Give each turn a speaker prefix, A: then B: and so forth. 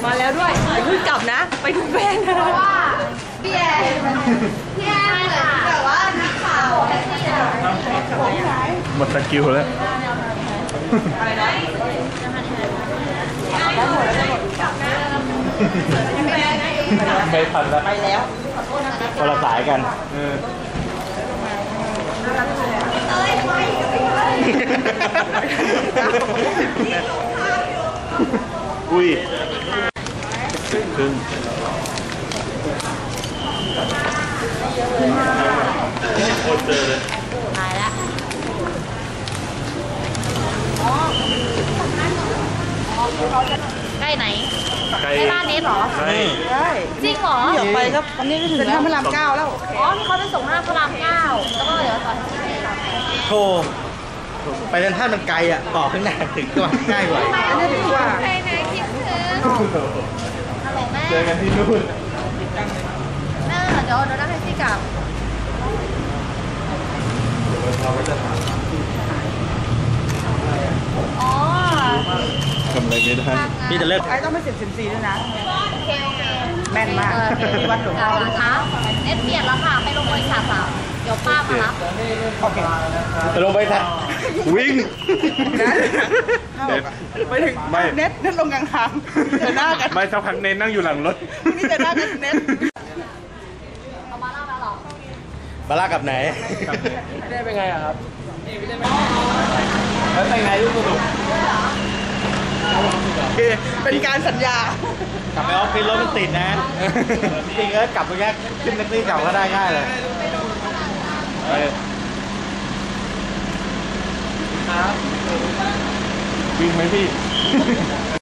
A: มาแล้วด้วยอย่าเพิ่งกลับนะไปดูแฟนนะ
B: ว่าพี่แอนเหมือนแบบว่านักข่าว
C: หมดสกิลแล้วไม่ทันแล้วไปแล้วคนละสายกันอุ้ยครึ่งโคตรเจอเลย
B: ตายแล้วใกล้ไหนใกล้บ้านนี้หรอ
C: ใช่
B: จริงหรอ
A: เดี๋ยวไปครับอันนี้ก็ถึงแล้วพระราม9แล้ว
B: อ๋อนี่เขาไปส่งหน้าพระราม9แล้วก็เดี๋ยวต่อ
D: โธ่ไปเดินท่ามันไกลอ่ะต่อข้างหน้าถึงตัวง่ายกว่า
A: อันนี้ดีกว่า
B: ไปไหนคิดถึงฮัลโหลแม่
C: เจอกันที่นู่น
B: เดี๋ยวนั่งแท็กซี่กลับอ๋อ
C: ทำอะไรไม่ได้
D: พี่จะเลิก
A: ไอ้ต้องไป14ด้วยนะ
B: โอเค
A: แม่นมากที่วัดหลวงพ่อ
B: คะเน็ตเปลี่ยนแล้วค่ะไปลงบริษัทสาวเดี๋ยวป้ามารับ
A: โอเค
D: จะลงไปทัน
C: วิ่ง
A: ไปถึงเน็ตลงกลางทางเจอหน้ากัน
C: ไม่สักพักเน้นนั่งอยู่หลังรถ
A: นี่เจอหน้ากันเน็ต
B: เอามาเล่ามาหร
D: บาร่ากับไหน
C: ได้เป็นไงอะครับแล้วแต่งไงลูกสนุก
A: เป็นการสัญญาก
D: ลับไปออฟฟิศรถมันติดนะจริงๆแล้วกลับไปแค่ขึ้นแท็กซี่เก่าก็ได้ง่ายเลย
C: วิ่งไหมพี่